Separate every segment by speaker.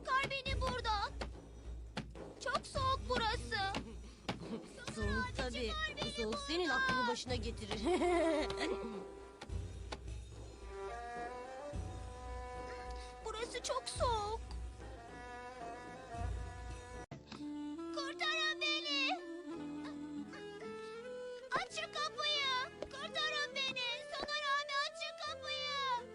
Speaker 1: Çıkar beni buradan. Çok soğuk burası.
Speaker 2: Soğuk tabii. Bu soğuk senin aklını başına getirir.
Speaker 1: Burası çok soğuk. Kurtarın beni. Açın kapıyı. Kurtarın beni. Soner abi açın kapıyı.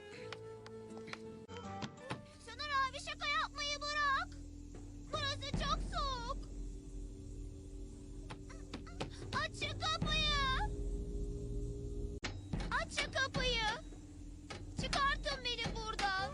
Speaker 1: Soner abi şaka yapmayı bırak. Burası çok soğuk. Açın kapıyı. Açın kapıyı. Çıkartın beni buradan.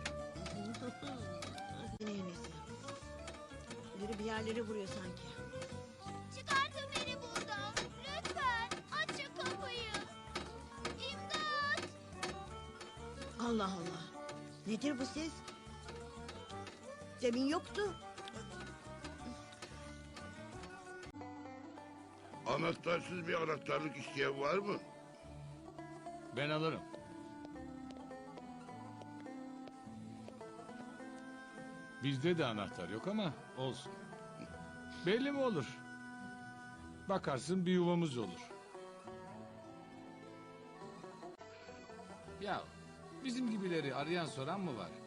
Speaker 3: Ne yenisi? Biri bir yerleri vuruyor sanki.
Speaker 1: Çıkartın beni buradan. Lütfen açın kapıyı. İmdat.
Speaker 3: Allah Allah. Nedir bu ses? Demin yoktu.
Speaker 4: Anahtarsız bir anahtarlık isteyen var mı?
Speaker 5: Ben alırım. Bizde de anahtar yok ama olsun. Belli mi olur? Bakarsın bir yuvamız olur. Ya bizim gibileri arayan soran mı var?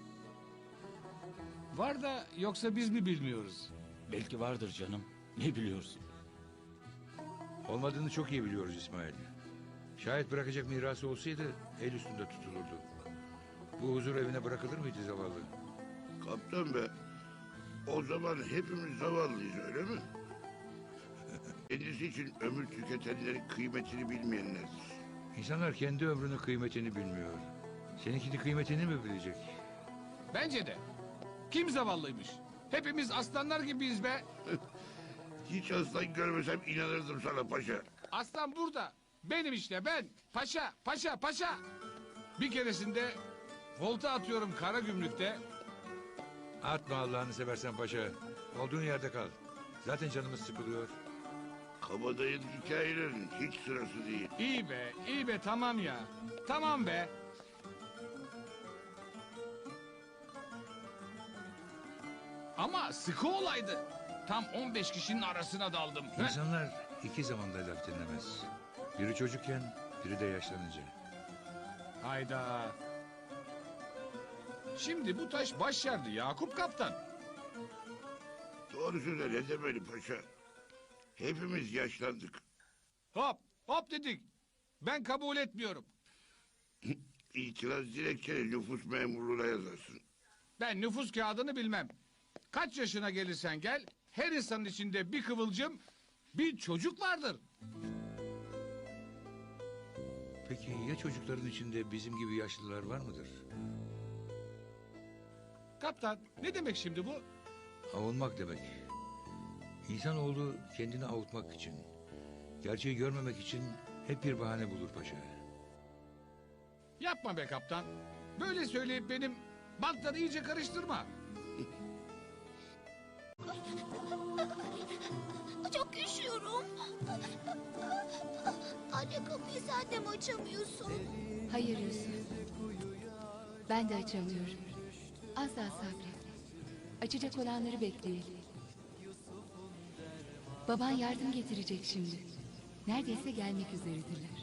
Speaker 5: Var da yoksa biz mi bilmiyoruz?
Speaker 6: Belki vardır canım. Ne biliyorsun?
Speaker 7: Olmadığını çok iyi biliyoruz İsmail. Şayet bırakacak mirası olsaydı el üstünde tutulurdu. Bu huzur evine bırakılır mıydı zavallı?
Speaker 4: Kaptan be. O zaman hepimiz zavallıyız öyle mi? Kendisi için ömür tüketenlerin kıymetini bilmeyenlerdir.
Speaker 7: İnsanlar kendi ömrünün kıymetini bilmiyor. Seninkini kıymetini mi bilecek?
Speaker 5: Bence de. Kim zavallıymış? Hepimiz aslanlar gibiyiz be.
Speaker 4: Hiç aslan görmesem inanırdım sana paşa.
Speaker 5: Aslan burada. Benim işte ben. Paşa, paşa, paşa. Bir keresinde volta atıyorum Karagümrük'te.
Speaker 7: Atma Allah'ını seversen paşa. Olduğun yerde kal. Zaten canımız sıkılıyor.
Speaker 4: Kabadayın hikayelerin hiç sırası değil.
Speaker 5: İyi be tamam ya. Tamam be. Ama sıkı olaydı. Tam 15 kişinin arasına daldım.
Speaker 7: İnsanlar iki zamanda laf dinlemez. Biri çocukken, biri de yaşlanınca.
Speaker 5: Hayda. Şimdi bu taş baş yardı Yakup Kaptan.
Speaker 4: Doğru söyle ne demeli paşa. Hepimiz yaşlandık.
Speaker 5: Hop dedik. Ben kabul etmiyorum.
Speaker 4: İtiraz dilekçeni nüfus memurluğuna yazarsın.
Speaker 5: Ben nüfus kağıdını bilmem. Kaç yaşına gelirsen gel, her insanın içinde bir kıvılcım, bir çocuk vardır.
Speaker 7: Peki ya çocukların içinde bizim gibi yaşlılar var mıdır?
Speaker 5: Kaptan, ne demek şimdi bu?
Speaker 7: Avunmak demek. İnsanoğlu kendini avutmak için, gerçeği görmemek için hep bir bahane bulur paşa.
Speaker 5: Yapma be kaptan. Böyle söyleyip benim bantları iyice karıştırma.
Speaker 1: Çok üşüyorum. Anne kapıyı sen de mi açamıyorsun?
Speaker 8: Hayır Yusuf. Ben de açamıyorum. Az daha sabret. Açacak olanları bekleyelim. Baban yardım getirecek şimdi. Neredeyse gelmek üzeredirler.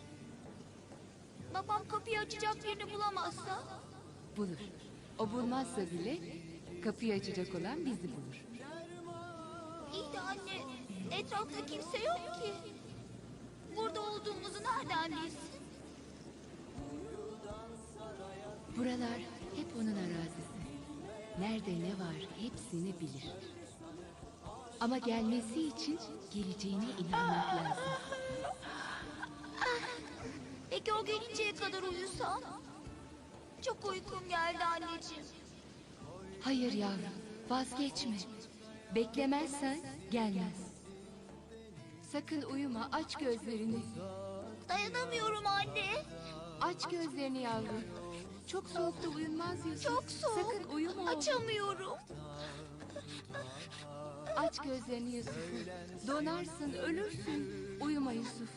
Speaker 1: Babam kapıyı açacak birini bulamazsa?
Speaker 8: Bulur. O bulmazsa bile kapıyı açacak olan bizi bulur.
Speaker 1: İyi de anne, etrafta kimse yok ki. Burada olduğumuzu nereden bilsin?
Speaker 8: Buralar hep onun arazisi. Nerede ne var hepsini bilir. Ama gelmesi için geleceğine inanmak lazım.
Speaker 1: Peki o gelinceye kadar uyusam? Çok uykum geldi anneciğim.
Speaker 8: Hayır yavrum, vazgeçme. Beklemezsen gelmez. Sakın uyuma, aç gözlerini.
Speaker 1: Dayanamıyorum anne.
Speaker 8: Aç gözlerini yavrum. Çok soğukta uyunmaz Yusuf.
Speaker 1: Çok soğuk.
Speaker 8: Sakın uyuma oğlum.
Speaker 1: Açamıyorum.
Speaker 8: Aç gözlerini Yusuf. Donarsın, ölürsün. Uyuma Yusuf.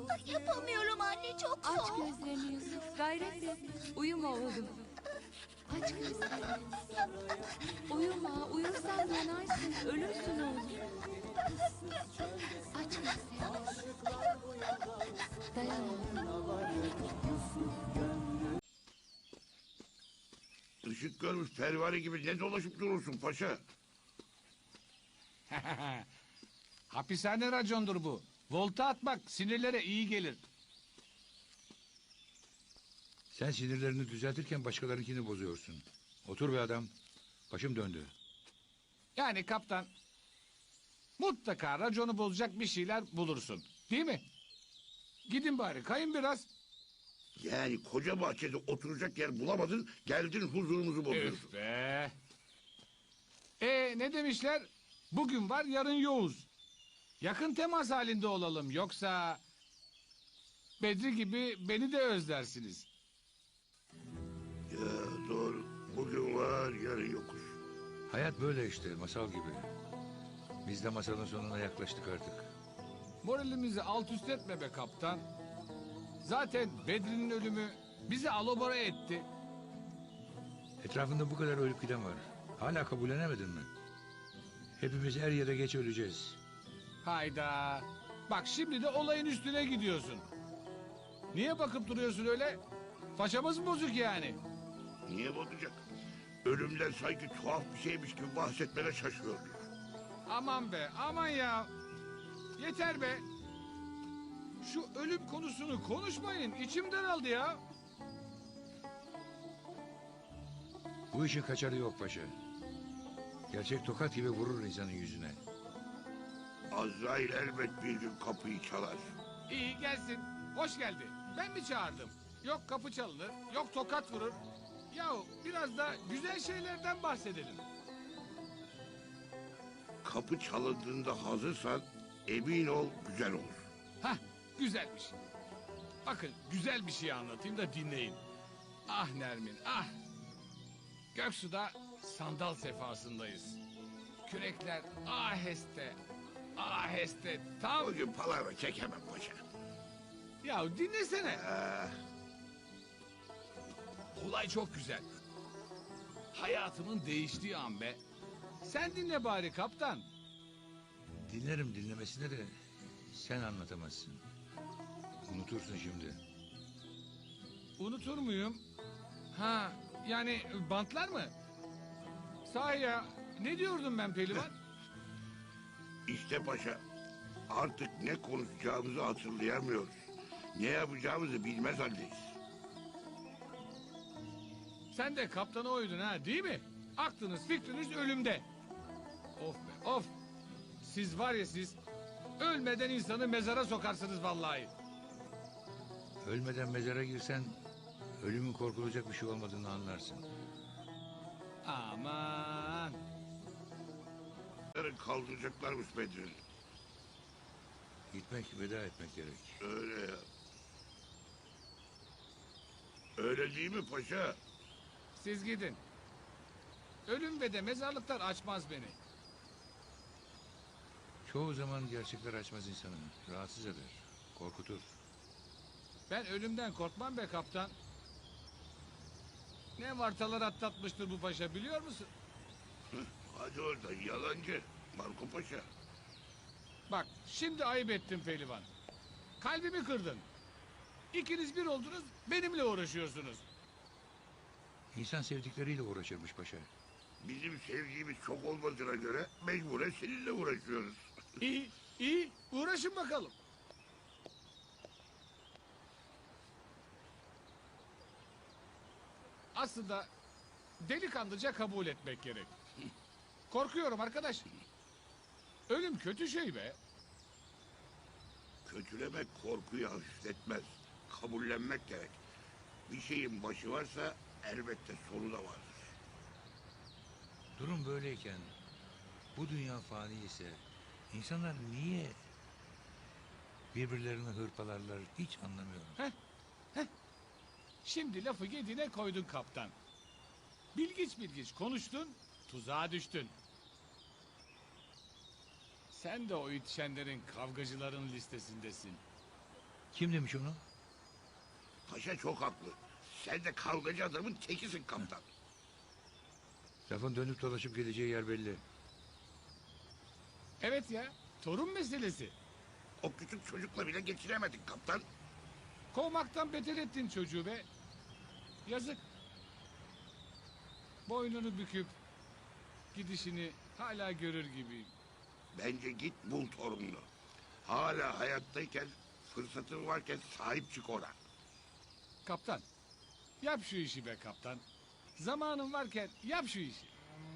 Speaker 1: Yapamıyorum anne, çok
Speaker 8: Aç
Speaker 1: soğuk.
Speaker 8: gözlerini Yusuf. Gayret et. Uyuma oğlum. Aç gözlerini. Uyuma, uyursan yanarsın, ölürsün oğlum. Aç gözlerini. Dayan oğlum.
Speaker 4: Işık görmüş pervane gibi ne dolaşıp durursun paşa?
Speaker 5: Hapishane racondur bu. Volta atmak sinirlere iyi gelir.
Speaker 7: Sen sinirlerini düzeltirken başkalarınkini bozuyorsun. Otur be adam. Başım döndü.
Speaker 5: Yani kaptan, mutlaka raconu bozacak bir şeyler bulursun. Değil mi? Gidin bari kayın biraz.
Speaker 4: Yani koca bahçede oturacak yer bulamadın, geldin huzurumuzu bozuyorsun.
Speaker 5: Üf be. Ne demişler? Bugün var yarın yoğuz. Yakın temas halinde olalım yoksa... Bedri gibi beni de özlersiniz.
Speaker 4: Ya doğru, bugün var yarın yokuz.
Speaker 7: Hayat böyle işte, masal gibi. Biz de masalın sonuna yaklaştık artık.
Speaker 5: Moralimizi alt üst etme be kaptan. Zaten Bedri'nin ölümü bizi alobora etti.
Speaker 7: Etrafında bu kadar ölüp giden var. Hala kabullenemedin mi? Hepimiz er ya da geç öleceğiz.
Speaker 5: Hayda. Bak şimdi de olayın üstüne gidiyorsun. Niye bakıp duruyorsun öyle? Façamız mı bozuk yani?
Speaker 4: Niye bozacak? Ölümden sanki tuhaf bir şeymiş gibi bahsetmene şaşıyorum.
Speaker 5: Aman be aman ya. Yeter be. Şu ölüm konusunu konuşmayın. İçim daraldı ya.
Speaker 7: Bu işin kaçarı yok paşa. Gerçek tokat gibi vurur insanın yüzüne.
Speaker 4: Azrail elbet bir gün kapıyı çalar.
Speaker 5: İyi gelsin. Hoş geldi. Ben mi çağırdım? Yok kapı çalınır, yok tokat vurur. Yahu biraz da güzel şeylerden bahsedelim.
Speaker 4: Kapı çalındığında hazırsan emin ol güzel olur.
Speaker 5: Hah, güzelmiş. Bakın güzel bir şey anlatayım da dinleyin. Ah Nermin, ah. Göksu'da sandal sefasındayız. Kürekler aheste, aheste tam...
Speaker 4: Bugün palavra çekemem paşa.
Speaker 5: Ya dinlesene. Olay çok güzel. Hayatımın değiştiği an be. Sen dinle bari kaptan.
Speaker 7: Dinlerim dinlemesine de sen anlatamazsın. Unutursun şimdi.
Speaker 5: Unutur muyum? Ha, yani bantlar mı? Sahi ya, ne diyordum ben pehlivan?
Speaker 4: İşte paşa artık ne konuşacağımızı hatırlayamıyoruz. Ne yapacağımızı bilmez haldeyiz.
Speaker 5: Sen de kaptana uydun ha, değil mi? Aklınız fikriniz ölümde. Of be, of. Siz var ya siz, ölmeden insanı mezara sokarsınız vallahi.
Speaker 7: Ölmeden mezara girsen ölümün korkulacak bir şey olmadığını anlarsın.
Speaker 5: Aman.
Speaker 4: Yarın kaldıracaklarmış Bedri'ni.
Speaker 7: Gitmek, veda etmek gerek.
Speaker 4: Öyle ya. Öyle değil mi paşa?
Speaker 5: Siz gidin. Ölüm ve de mezarlıklar açmaz beni.
Speaker 7: Çoğu zaman gerçekler açmaz insanı. Rahatsız eder, korkutur.
Speaker 5: Ben ölümden korkmam be kaptan. Ne vartalar atlatmıştır bu paşa biliyor musun?
Speaker 4: Hadi oradan yalancı. Marco Paşa.
Speaker 5: Bak şimdi ayıp ettin pehlivan. Kalbimi kırdın. İkiniz bir oldunuz benimle uğraşıyorsunuz.
Speaker 7: İnsan sevdikleriyle uğraşırmış paşa.
Speaker 4: Bizim sevgimiz çok olmadığına göre mecburen seninle uğraşıyoruz.
Speaker 5: İyi iyi uğraşın bakalım. Aslında delikanlıca kabul etmek gerek. Korkuyorum arkadaş. Ölüm kötü şey be.
Speaker 4: Kötülemek korkuyu hafifletmez. Kabullenmek gerek. Bir şeyin başı varsa elbette sonu da vardır.
Speaker 7: Durum böyleyken bu dünya fani ise insanlar niye birbirlerini hırpalarlar hiç anlamıyorum.
Speaker 5: Şimdi lafı yediğine koydun kaptan. Bilgiç bilgiç konuştun, tuzağa düştün. Sen de o yetişenlerin kavgacıların listesindesin.
Speaker 7: Kim demiş onu?
Speaker 4: Paşa çok haklı. Sen de kavgacı adamın tekisin kaptan.
Speaker 7: Lafın dönüp dolaşıp geleceği yer belli.
Speaker 5: Evet ya, torun meselesi.
Speaker 4: O küçük çocukla bile geçiremedik kaptan.
Speaker 5: Kovmaktan beter ettin çocuğu be. Yazık. Boynunu büküp gidişini hala görür gibiyim.
Speaker 4: Bence git bul torununu. Hala hayattayken, fırsatın varken sahip çık ona.
Speaker 5: Kaptan, yap şu işi be kaptan. Zamanın varken yap şu işi.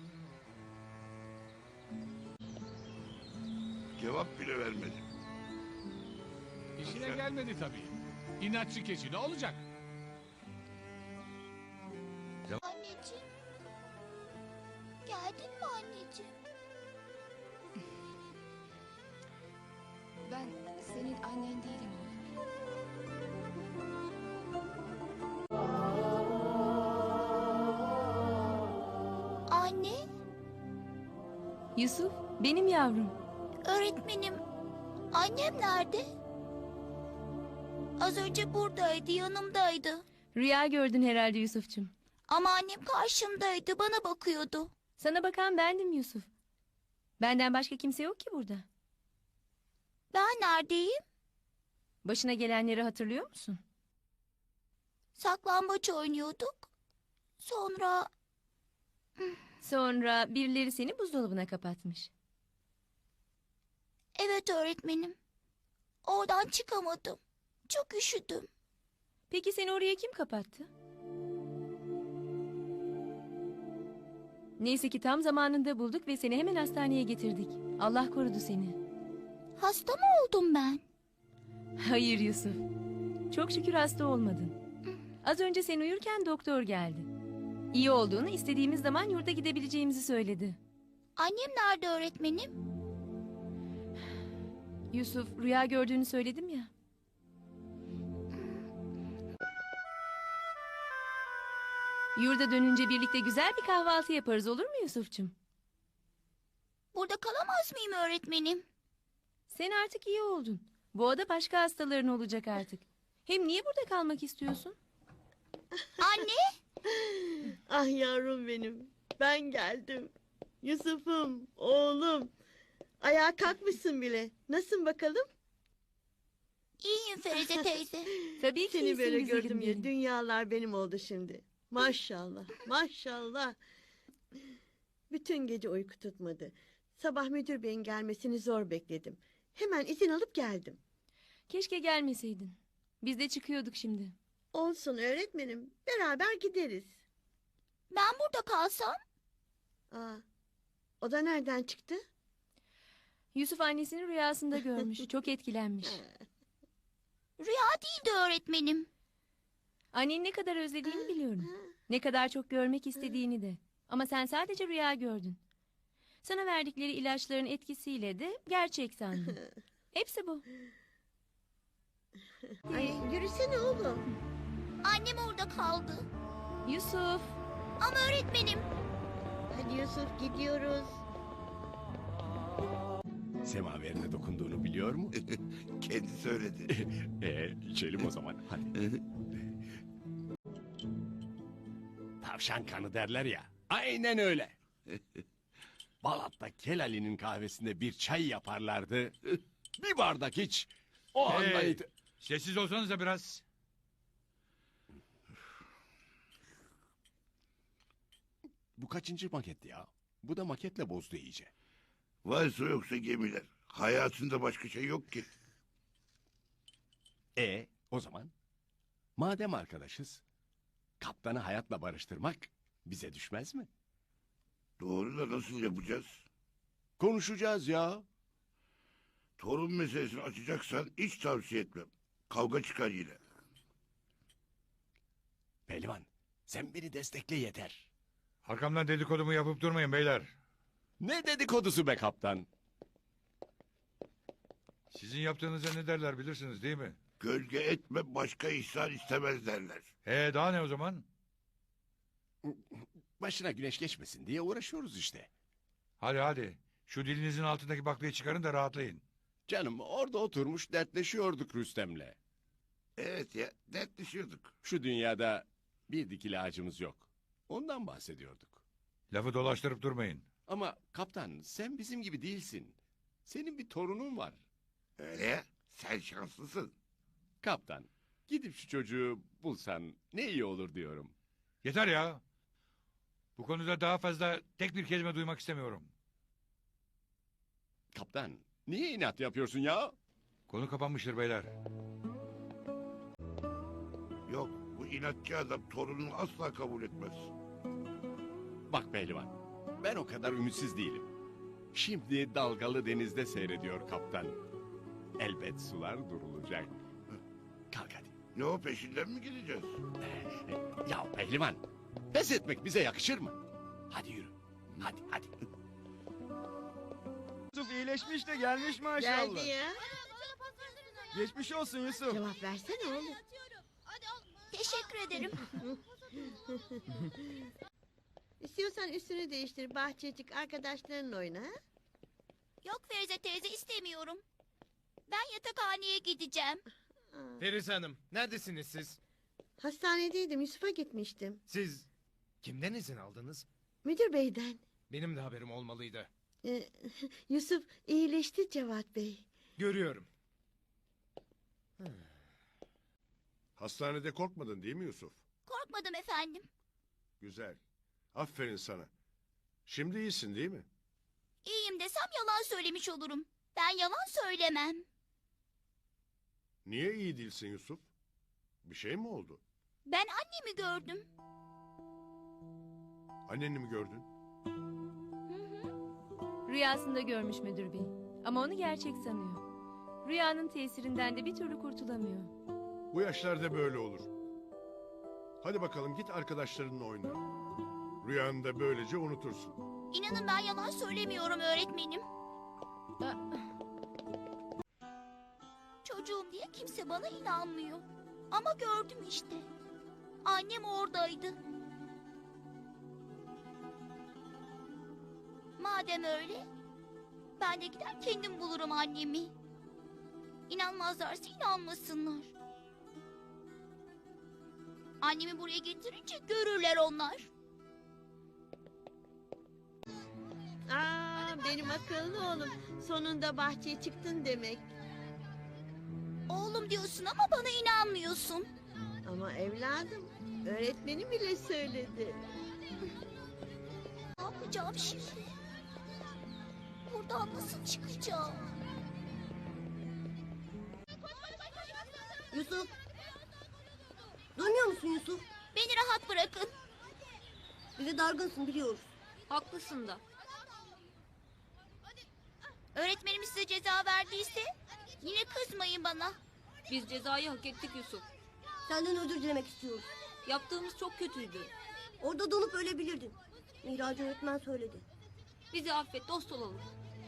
Speaker 4: Cevap bile vermedi.
Speaker 5: İşine gelmedi tabii. İnatçı keçi ne olacak?
Speaker 1: Anneciğim. Geldin mi anneciğim?
Speaker 8: Ben senin annen değilim oğlum.
Speaker 1: Anne,
Speaker 9: Yusuf, benim yavrum.
Speaker 1: öğretmenim. Annem nerede? Az önce buradaydı, yanımdaydı.
Speaker 9: Rüya gördün herhalde Yusuf'cum.
Speaker 1: Ama annem karşımdaydı, bana bakıyordu.
Speaker 9: Sana bakan bendim Yusuf. Benden başka kimse yok ki burada.
Speaker 1: Ben neredeyim?
Speaker 9: Başına gelenleri hatırlıyor musun?
Speaker 1: Saklambaç oynuyorduk. Sonra
Speaker 9: birileri seni buzdolabına kapatmış.
Speaker 1: evet öğretmenim. Oradan çıkamadım. Çok üşüdüm.
Speaker 9: Peki seni oraya kim kapattı? Neyse ki tam zamanında bulduk ve seni hemen hastaneye getirdik. Allah korudu seni.
Speaker 1: Hasta mı oldum ben?
Speaker 9: Hayır Yusuf. Çok şükür hasta olmadın. Az önce sen uyurken doktor geldi. İyi olduğunu, istediğimiz zaman yurda gidebileceğimizi söyledi.
Speaker 1: Annem nerede öğretmenim?
Speaker 9: Yusuf, rüya gördüğünü söyledim ya. Yurda dönünce birlikte güzel bir kahvaltı yaparız, olur mu Yusuf'cum?
Speaker 1: Burada kalamaz mıyım öğretmenim?
Speaker 9: Sen artık iyi oldun. Bu ada başka hastaların olacak artık. Hem niye burada kalmak istiyorsun?
Speaker 1: Anne,
Speaker 3: Ah yavrum benim. Ben geldim. Yusuf'um, oğlum. Ayağa kalkmışsın bile. Nasılsın bakalım?
Speaker 1: iyiyim Ferize teyze.
Speaker 9: Tabii ki
Speaker 3: Seni
Speaker 9: iyisin
Speaker 3: böyle
Speaker 9: güzelim
Speaker 3: gördüm ya.
Speaker 9: benim.
Speaker 3: Dünyalar benim oldu şimdi. Maşallah, maşallah. Bütün gece uyku tutmadı. Sabah müdür beyin gelmesini zor bekledim. Hemen izin alıp geldim.
Speaker 9: Keşke gelmeseydin. Biz de çıkıyorduk şimdi.
Speaker 3: Olsun öğretmenim. Beraber gideriz.
Speaker 1: Ben burada kalsam?
Speaker 3: Aa, o da nereden çıktı?
Speaker 9: Yusuf annesini rüyasında görmüş. Çok etkilenmiş.
Speaker 1: Rüya değildi öğretmenim.
Speaker 9: Anneni ne kadar özlediğini biliyorum. Ne kadar çok görmek istediğini de. Ama sen sadece rüya gördün. Sana verdikleri ilaçların etkisiyle de gerçek sandın. Hepsi bu.
Speaker 3: Ay, yürüsene oğlum.
Speaker 1: Annem orada kaldı.
Speaker 9: Yusuf.
Speaker 1: Ama öğretmenim.
Speaker 3: Hadi Yusuf gidiyoruz.
Speaker 10: Semaverine dokunduğunu biliyor mu?
Speaker 4: Kendi söyledi.
Speaker 10: İçelim o zaman. Hadi. Tavşan kanı derler ya. Aynen öyle. Balat'ta Kelali'nin kahvesinde bir çay yaparlardı. Bir bardak iç. O anda
Speaker 7: Sessiz olsanız da biraz.
Speaker 10: Bu kaçıncı maket ya? Bu da maketle bozdu iyice.
Speaker 4: Varsa yoksa gemiler. Hayatında başka şey yok ki.
Speaker 10: O zaman madem arkadaşız, kaptanı hayatla barıştırmak bize düşmez mi?
Speaker 4: Doğru da nasıl yapacağız?
Speaker 10: Konuşacağız ya.
Speaker 4: Torun meselesini açacaksan hiç tavsiye etmem. Kavga çıkar yine.
Speaker 10: Pehlivan, sen beni destekle yeter.
Speaker 7: Arkamdan dedikodumu yapıp durmayın beyler.
Speaker 10: Ne dedikodusu be kaptan?
Speaker 7: Sizin yaptığınıza ne derler bilirsiniz değil mi?
Speaker 4: Gölge etme başka ihsan istemez derler.
Speaker 7: Daha ne o zaman?
Speaker 10: Başına güneş geçmesin diye uğraşıyoruz işte.
Speaker 7: Hadi. Şu dilinizin altındaki baklayı çıkarın da rahatlayın.
Speaker 10: Canım orada oturmuş dertleşiyorduk Rüstem'le.
Speaker 4: Evet ya dertleşiyorduk.
Speaker 10: Şu dünyada bir dikili ağacımız yok. Ondan bahsediyorduk.
Speaker 7: Lafı dolaştırıp durmayın.
Speaker 10: Ama kaptan sen bizim gibi değilsin. Senin bir torunun var.
Speaker 4: Öyle, sen şanslısın.
Speaker 10: Kaptan gidip şu çocuğu bulsan ne iyi olur diyorum.
Speaker 7: Yeter ya. Bu konuda daha fazla tek bir kelime duymak istemiyorum.
Speaker 10: Kaptan niye inat yapıyorsun ya?
Speaker 7: Konu kapanmıştır beyler.
Speaker 4: Yok, bu inatçı adam torununu asla kabul etmez.
Speaker 10: Bak pehlivan ben o kadar ümitsiz değilim. Şimdi dalgalı denizde seyrediyor kaptan. Elbet sular durulacak. Kalk hadi.
Speaker 4: Ne o, peşinden mi gideceğiz?
Speaker 10: Ya pehlivan pes etmek bize yakışır mı? Hadi yürü. Hadi.
Speaker 11: Yusuf iyileşmiş de gelmiş maşallah.
Speaker 3: Geldi ya.
Speaker 11: Geçmiş olsun Yusuf.
Speaker 3: Cevap versene oğlum.
Speaker 1: Teşekkür ederim.
Speaker 3: İstiyorsan üstünü değiştir, bahçecik arkadaşlarınla oyna. Ha?
Speaker 1: Yok Ferize teyze, istemiyorum. Ben yatakhaneye gideceğim.
Speaker 3: Aa,
Speaker 11: Ferize Hanım neredesiniz siz?
Speaker 3: hastanedeydim, Yusuf'a gitmiştim.
Speaker 11: Siz kimden izin aldınız?
Speaker 3: Müdür beyden.
Speaker 11: Benim de haberim olmalıydı.
Speaker 3: Yusuf iyileşti Cevat Bey.
Speaker 11: Görüyorum.
Speaker 12: Hastanede korkmadın değil mi Yusuf?
Speaker 1: Korkmadım efendim.
Speaker 12: Güzel. Aferin sana. Şimdi iyisin değil mi?
Speaker 1: İyiyim desem yalan söylemiş olurum. Ben yalan söylemem.
Speaker 12: Niye iyi değilsin Yusuf? Bir şey mi oldu?
Speaker 1: Ben annemi gördüm.
Speaker 12: Anneni mi gördün?
Speaker 9: Rüyasında görmüş müdür bey. Ama onu gerçek sanıyor. Rüyanın tesirinden de bir türlü kurtulamıyor.
Speaker 12: Bu yaşlarda böyle olur. Hadi bakalım git arkadaşlarınla oyna. Rüyanı da böylece unutursun.
Speaker 1: İnanın ben yalan söylemiyorum öğretmenim. Çocuğum diye kimse bana inanmıyor. Ama gördüm işte. Annem oradaydı. Madem öyle, ben de gider kendim bulurum annemi. İnanmazlarsa inanmasınlar. Annemi buraya getirince görürler onlar.
Speaker 3: Benim akıllı oğlum. Sonunda bahçeye çıktın demek.
Speaker 1: Oğlum diyorsun ama bana inanmıyorsun.
Speaker 3: Ama evladım, öğretmenim bile söyledi.
Speaker 1: Ne yapacağım şimdi? Buradan nasıl çıkacağım?
Speaker 2: Yusuf. Duymuyor musun Yusuf?
Speaker 1: Beni rahat bırakın.
Speaker 2: Bize dargınsın biliyoruz. Haklısın da.
Speaker 1: Öğretmenim size ceza verdiyse yine kızmayın bana.
Speaker 2: Biz cezayı hak ettik Yusuf. Senden özür dilemek istiyoruz. Yaptığımız çok kötüydü. Orada donup ölebilirdin. Miraç öğretmen söyledi. Bizi affet, dost olalım.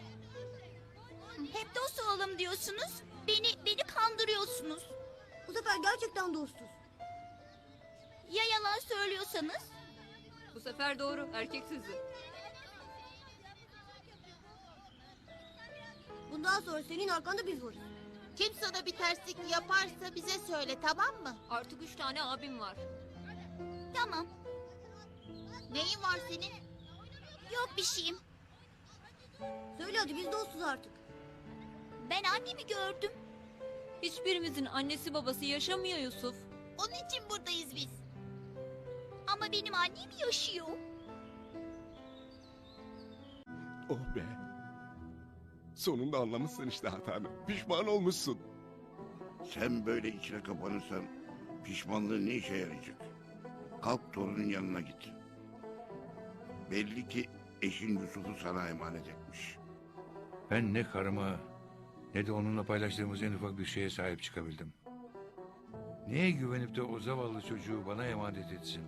Speaker 1: Hep dost olalım diyorsunuz. Beni kandırıyorsunuz.
Speaker 2: Bu sefer gerçekten dostuz.
Speaker 1: Ya yalan söylüyorsanız?
Speaker 2: Bu sefer doğru, erkek sözü. Bundan sonra senin arkanda biz varız.
Speaker 1: Kim sana bir terslik yaparsa bize söyle, tamam mı?
Speaker 2: Artık 3 tane abim var.
Speaker 1: Tamam. Neyin var senin? Yok bir şeyim.
Speaker 2: Söyle hadi biz dostuz artık.
Speaker 1: Ben annemi gördüm.
Speaker 2: Hiçbirimizin annesi babası yaşamıyor Yusuf.
Speaker 1: Onun için buradayız biz. Ama benim annem yaşıyor.
Speaker 10: Oh be. Sonunda anlamışsın işte hatanı. Pişman olmuşsun.
Speaker 4: Sen böyle içine kapanırsan pişmanlığın ne işe yarayacak? Kalk torunun yanına git. Belli ki eşin Yusuf'u sana emanet etmiş.
Speaker 7: Ben ne karıma ne de onunla paylaştığımız en ufak bir şeye sahip çıkabildim. Neye güvenip de o zavallı çocuğu bana emanet etsin?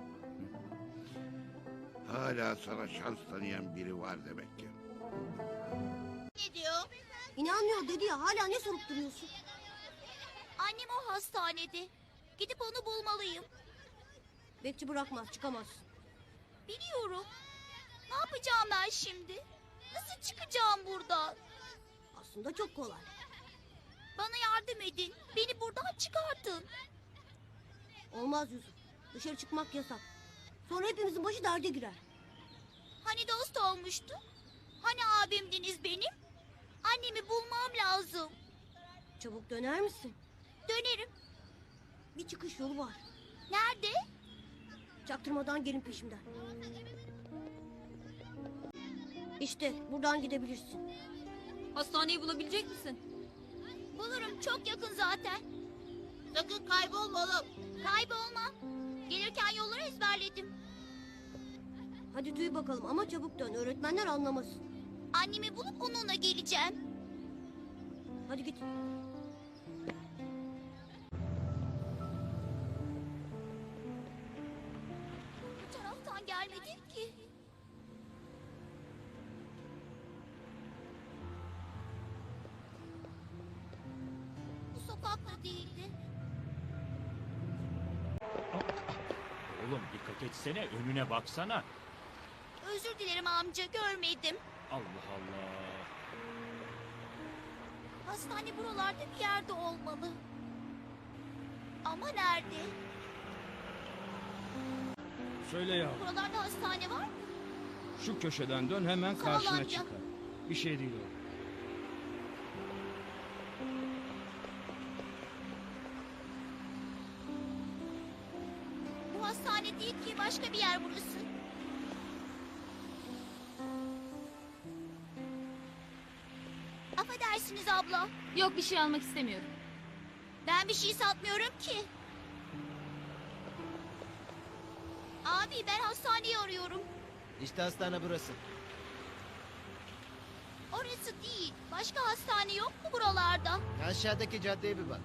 Speaker 4: Hala sana şans tanıyan biri var demek ki.
Speaker 1: Ne diyor?
Speaker 2: İnanmıyor dedi ya, hala ne sorup duruyorsun?
Speaker 1: Annem o hastanede. Gidip onu bulmalıyım.
Speaker 2: Bekçi bırakmaz, çıkamaz.
Speaker 1: Biliyorum. Ne yapacağım ben şimdi? Nasıl çıkacağım buradan?
Speaker 2: Aslında çok kolay.
Speaker 1: Bana yardım edin. Beni buradan çıkartın.
Speaker 2: Olmaz Yusuf. Dışarı çıkmak yasak. Sonra hepimizin başı derde girer.
Speaker 1: Hani dost olmuştu? Hani abimdiniz benim? Annemi bulmam lazım.
Speaker 2: Çabuk döner misin?
Speaker 1: Dönerim.
Speaker 2: Bir çıkış yolu var.
Speaker 1: Nerede?
Speaker 2: Çaktırmadan gelin peşimden. İşte buradan gidebilirsin.
Speaker 9: Hastaneyi bulabilecek misin?
Speaker 1: Bulurum, çok yakın zaten. Sakın kaybolma oğlum. Kaybolmam. Gelirken yolları ezberledim.
Speaker 2: Hadi duy bakalım ama çabuk dön. Öğretmenler anlamasın.
Speaker 1: Annemi bulup onunla geleceğim.
Speaker 2: Hadi git.
Speaker 1: Bu taraftan gelmedin ki. Bu sokakta değildi.
Speaker 6: Oğlum dikkat etsene, önüne baksana.
Speaker 1: Özür dilerim amca, görmedim.
Speaker 6: Allah Allah.
Speaker 1: Hastane buralarda bir yerde olmalı. Ama nerede?
Speaker 13: Söyle ya.
Speaker 1: Buralarda hastane var mı?
Speaker 13: Şu köşeden dön hemen
Speaker 1: Sağ ol
Speaker 13: karşına
Speaker 1: amca.
Speaker 13: çıkar. Bir şey değil o.
Speaker 1: Bu hastane değil ki, başka bir yer burası. Affedersiniz abla.
Speaker 9: Yok, bir şey almak istemiyorum.
Speaker 1: Ben bir şey satmıyorum ki. Abi ben hastaneyi arıyorum.
Speaker 14: İşte hastane burası.
Speaker 1: Orası değil. Başka hastane yok mu buralarda?
Speaker 14: Aşağıdaki caddeye bir bak.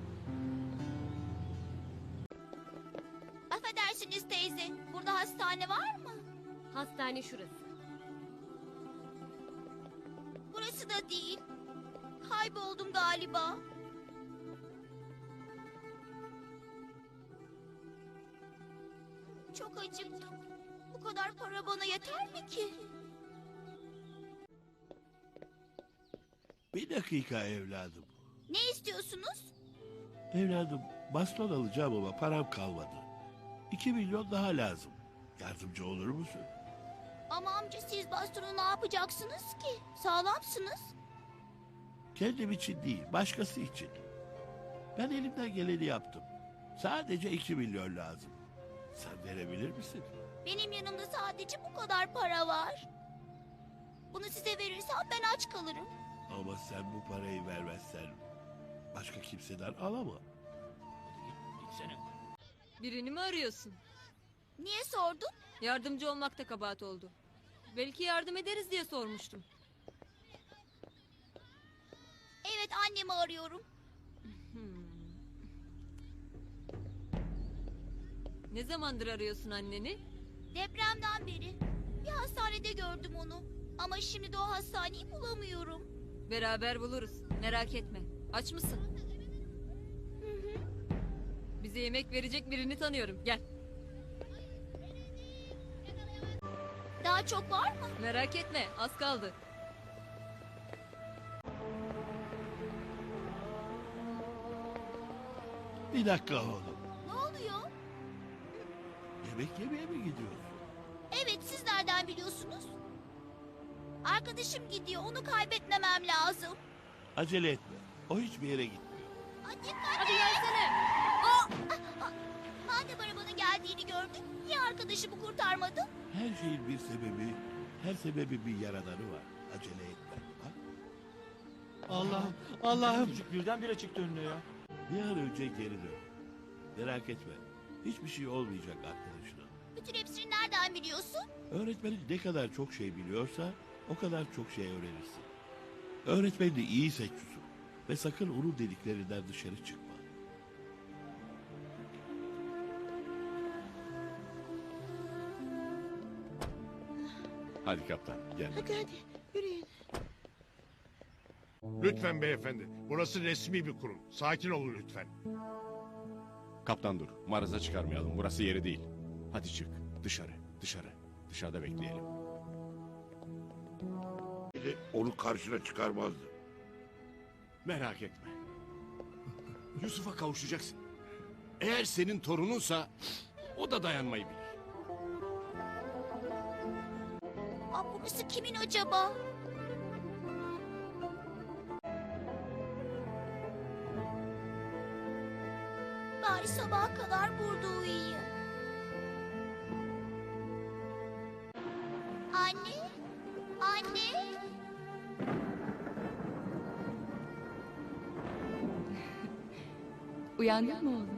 Speaker 1: Affedersiniz teyze. Burada hastane var mı?
Speaker 2: Hastane şurası.
Speaker 1: Burası da değil. Kayboldum galiba. Çok acıktım. Bu kadar para bana yeter mi ki?
Speaker 15: Bir dakika evladım.
Speaker 1: Ne istiyorsunuz?
Speaker 15: Evladım baston alacağım ama param kalmadı. 2 milyon daha lazım. Yardımcı olur musun?
Speaker 1: Ama amca siz bastonu ne yapacaksınız ki? Sağlamsınız.
Speaker 15: Kendim için değil, başkası için. Ben elimden geleni yaptım. Sadece 2 milyon lazım. Sen verebilir misin?
Speaker 1: Benim yanımda sadece bu kadar para var. Bunu size verirsem ben aç kalırım.
Speaker 15: Ama sen bu parayı vermezsen başka kimseden alamam.
Speaker 6: Gitsene.
Speaker 9: Birini mi arıyorsun?
Speaker 1: Niye sordun?
Speaker 9: Yardımcı olmak da kabahat oldu. Belki yardım ederiz diye sormuştum.
Speaker 1: Evet, annemi arıyorum.
Speaker 9: Ne zamandır arıyorsun anneni?
Speaker 1: Depremden beri. Bir hastanede gördüm onu. Ama şimdi de o hastaneyi bulamıyorum.
Speaker 9: Beraber buluruz. Merak etme. Aç mısın? Bize yemek verecek birini tanıyorum. Gel.
Speaker 1: Daha çok var mı?
Speaker 9: Merak etme. Az kaldı.
Speaker 15: Bir dakika oğlum.
Speaker 1: Ne oluyor?
Speaker 15: Yemek yemeye mi gidiyorsun?
Speaker 1: Evet, siz nereden biliyorsunuz? Arkadaşım gidiyor, onu kaybetmemem lazım.
Speaker 15: Acele etme. O hiçbir yere gitmiyor.
Speaker 1: Hadi gelsene. Madem arabanın geldiğini gördün, niye arkadaşımı kurtarmadın?
Speaker 15: Her şeyin bir sebebi, her sebebin bir yaradanı var. Acele etme. Bak.
Speaker 6: Allah'ım, Allah'ım. Çocuk birdenbire çıktı önüne ya.
Speaker 15: Bir an önce geri dön. Merak etme. Hiçbir şey olmayacak arkadaşına.
Speaker 1: Bütün hepsini nereden biliyorsun?
Speaker 15: Öğretmenin ne kadar çok şey biliyorsa o kadar çok şey öğrenirsin. Öğretmenini iyi seç Yusuf. Ve sakın onun dediklerinden dışarı çıkma.
Speaker 10: Hadi kaptan gel.
Speaker 3: Hadi yürüyün.
Speaker 12: Lütfen beyefendi. Burası resmi bir kurum. Sakin olun lütfen.
Speaker 10: Kaptan dur. Maraza çıkarmayalım. Burası yeri değil. Hadi çık. Dışarı. Dışarı. Dışarıda bekleyelim.
Speaker 4: Onu karşına çıkarmazdı.
Speaker 10: Merak etme. Yusuf'a kavuşacaksın. Eğer senin torununsa o da dayanmayı bilir.
Speaker 1: Burası kimin acaba? Bari sabaha kadar burada uyuyayım. Anne? Anne?
Speaker 8: Uyandın mı oğlum?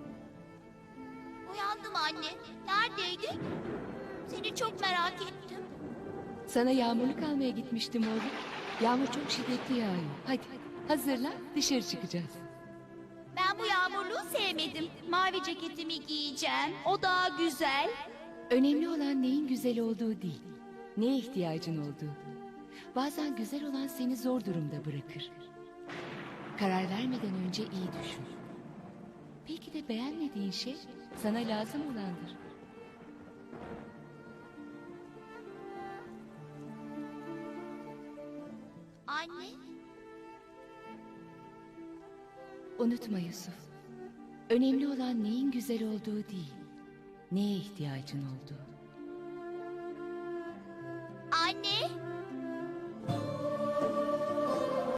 Speaker 1: Uyandım anne. Neredeydin? Seni çok merak ettim.
Speaker 8: Sana yağmurluk almaya gitmiştim oğlum. Yağmur çok şiddetli yağıyor. Hadi hazırlan, dışarı çıkacağız.
Speaker 1: Ben bu yağmurluğu sevmedim. Mavi ceketimi giyeceğim. O daha güzel.
Speaker 8: Önemli olan neyin güzel olduğu değil, neye ihtiyacın olduğu. Bazen güzel olan seni zor durumda bırakır. Karar vermeden önce iyi düşün. Belki de beğenmediğin şey sana lazım olandır.
Speaker 1: Anne?
Speaker 8: Unutma Yusuf. Önemli olan neyin güzel olduğu değil, neye ihtiyacın olduğu.
Speaker 1: Anne?